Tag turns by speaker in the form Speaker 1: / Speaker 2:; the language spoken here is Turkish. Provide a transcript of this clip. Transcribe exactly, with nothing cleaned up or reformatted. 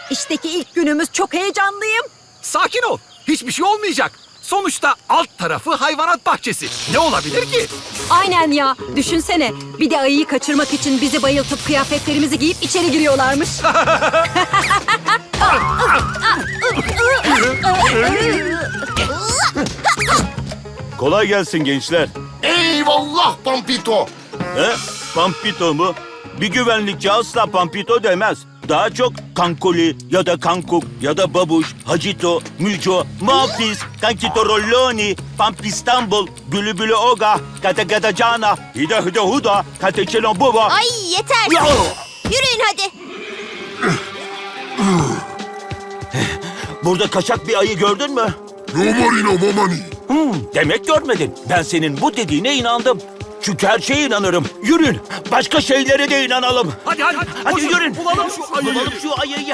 Speaker 1: İşteki ilk günümüz, çok heyecanlıyım.
Speaker 2: Sakin ol. Hiçbir şey olmayacak. Sonuçta alt tarafı hayvanat bahçesi. Ne olabilir ki?
Speaker 1: Aynen ya. Düşünsene. Bir de ayıyı kaçırmak için bizi bayıltıp kıyafetlerimizi giyip içeri giriyorlarmış.
Speaker 3: Kolay gelsin gençler.
Speaker 4: Eyvallah Pampito.
Speaker 3: He? Pampito mu? Bir güvenlikçi asla Pampito demez. Daha çok Kankoli ya da Kankuk ya da Babuş, Hacito, Müco, Muhafız, Kankito Rolloni, Pampistanbul, Bülü Oga, Kata Kata Cana, Hida Hida Huda, Kata Çelon Baba.
Speaker 5: Ay yeter.
Speaker 3: Ya!
Speaker 5: Yürüyün hadi.
Speaker 3: Burada kaçak bir ayı gördün mü?
Speaker 4: Nomarino mamani.
Speaker 3: Hmm, demek görmedin. Ben senin bu dediğine inandım. Çünkü her şeye inanırım. Yürün. Başka şeylere de inanalım.
Speaker 2: Hadi hadi.
Speaker 3: Hadi
Speaker 2: koşun,
Speaker 3: yürün.
Speaker 2: Bulalım şu ayıyı.
Speaker 3: Bulalım şu ayıyı.